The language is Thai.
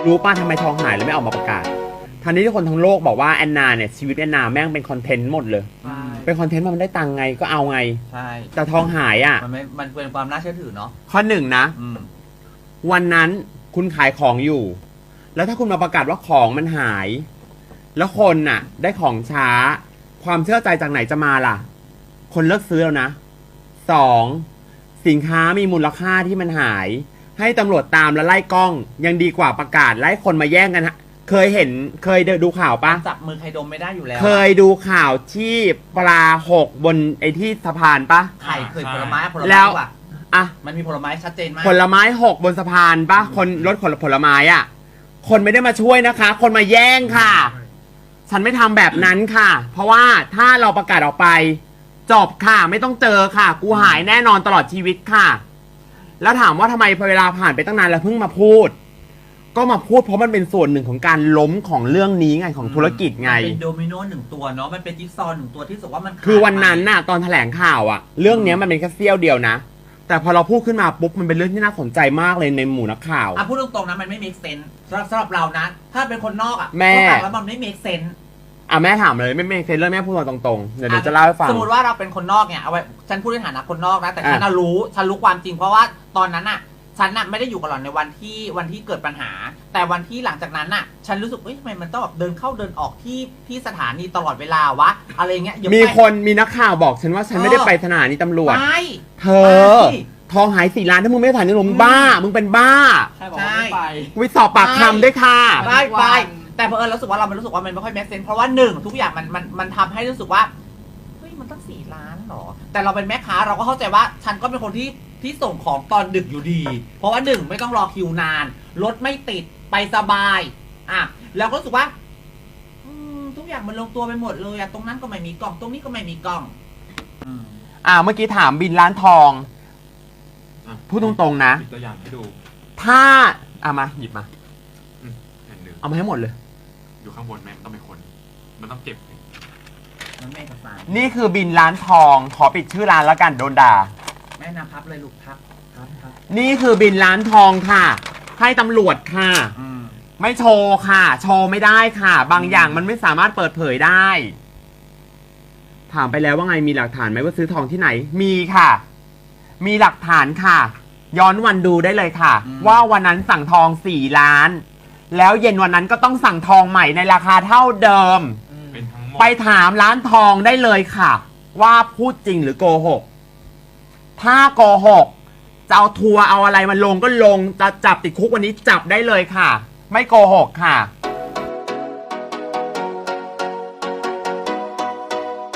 รู้ป่ะทำไมทองหายแล้วไม่ออกมาประกาศทันนี้ที่คนทั้งโลกบอกว่าแอนนาเนี่ยชีวิตแอนนาแม่งเป็นคอนเทนต์หมดเลยเป็นคอนเทนต์มันได้ตังค์ไงก็เอาไงใช่แต่ทองหายอ่ะมันเป็นความน่าเชื่อถือเนาะข้อหนึ่งนะวันนั้นคุณขายของอยู่แล้วถ้าคุณมาประกาศว่าของมันหายแล้วคนน่ะได้ของช้าความเชื่อใจจากไหนจะมาล่ะคนเลิกซื้อแล้วนะสองสินค้ามีมูลค่าที่มันหายให้ตำรวจตามแล้วไล่กล้องยังดีกว่าประกาศไล่คนมาแย่งกันฮะเคยดูข่าวปะจับมือใครดมไม่ได้อยู่แล้วเคยดูข่าวที่ปลาหกบนไอ้ที่สะพานปะไข่เคยผลไม้แล้วอ่ะมันมีผลไม้ชัดเจนมากผลไม้หกบนสะพานปะคนรถผลไม้อ่ะคนไม่ได้มาช่วยนะคะคนมาแย่งค่ะฉันไม่ทำแบบนั้นค่ะเพราะว่าถ้าเราประกาศออกไปจบค่ะไม่ต้องเจอค่ะกูหายแน่นอนตลอดชีวิตค่ะแล้วถามว่าทำไมพอเวลาผ่านไปตั้งนานแล้วเพิ่งมาพูดก็มาพูดเพราะมันเป็นส่วนหนึ่งของการล้มของเรื่องนี้ไงของธุรกิจไงเป็นโดมิโนหนึ่งตัวเนาะมันเป็นจิ๊กซอว์หนึ่งตัวที่สุดว่ามันคือวันนั้นน่ะตอนแถลงข่าวอะเรื่องนี้มันเป็นแค่เสี้ยวเดียวนะแต่พอเราพูดขึ้นมาปุ๊บมันเป็นเรื่องที่น่าสนใจมากเลยในหมู่นักข่าวพูดตรงๆนะมันไม่ make sense สำหรับเรานะถ้าเป็นคนนอกแม่แล้วมันไม่ make sense แม่ถามเลยไม่ make sense เรื่องแม่พูดมาตรงๆเดี๋ยวจะเล่าให้ฟังสมมติว่าเราเป็นคนนอกเนี่ยเอาไว้ฉันพูดในฐานะคนนอกนะแต่ฉันรู้ความจริงเพราะว่าตอนนั้นน่ะฉันน่ะไม่ได้อยู่กับหล่อนในวันที่เกิดปัญหาแต่วันที่หลังจากนั้นน่ะฉันรู้สึกทำไมมันต้องแบบเดินเข้าเดินออกที่สถานีตลอดเวลาวะอะไรเงี้ยมีนักข่าวบอกฉันว่าฉันไม่ได้ไปสถานีตำรวจไม่เธอทองหาย4 ล้านถ้ามึงไม่ไปสถานีตำรวจมึงบ้ามึงเป็นบ้าใช่วิสอบปากคำด้วยค่ะไปแต่พอรู้สึกว่าเรารู้สึกว่ามันไม่ค่อยแมสเซนเพราะว่าหนึ่งทุกอย่างมันทำให้รู้สึกว่ามันตั้ง4 ล้านหรอแต่เราเป็นแม่ค้าเราก็เข้าใจว่าฉันก็เป็นคนที่ส่งของตอนดึกอยู่ดีเพราะว่าหนึ่งไม่ต้องรอคิวนานรถไม่ติดไปสบายแล้วก็รู้สึกว่าทุกอย่างมันลงตัวไปหมดเลยตรงนั้นก็ไม่มีกล่องตรงนี้ก็ไม่มีกล่องเมื่อกี้ถามบินร้านทองพูดตรงๆนะตัวอย่างให้ดูถ้ามาหยิบมาเอามาให้หมดเลยอยู่ข้างบนแม่มันต้องเป็นคนมันต้องเก็บนี่คือบินร้านทองขอปิดชื่อร้านแล้วกันโดนด่าแม่นำพับเลยลูกพับนี่คือบินร้านทองค่ะให้ตำรวจค่ะไม่โชว์ค่ะโชว์ไม่ได้ค่ะบางอย่างมันไม่สามารถเปิดเผยได้ถามไปแล้วว่าไงมีหลักฐานไหมว่าซื้อทองที่ไหนมีค่ะมีหลักฐานค่ะย้อนวันดูได้เลยค่ะว่าวันนั้นสั่งทอง4 ล้านแล้วเย็นวันนั้นก็ต้องสั่งทองใหม่ในราคาเท่าเดิมไปถามร้านทองได้เลยค่ะว่าพูดจริงหรือโกหกถ้าโกหกจะเอาทัวร์เอาอะไรมาลงก็ลงจะจับติดคุกวันนี้จับได้เลยค่ะไม่โกหกค่ะ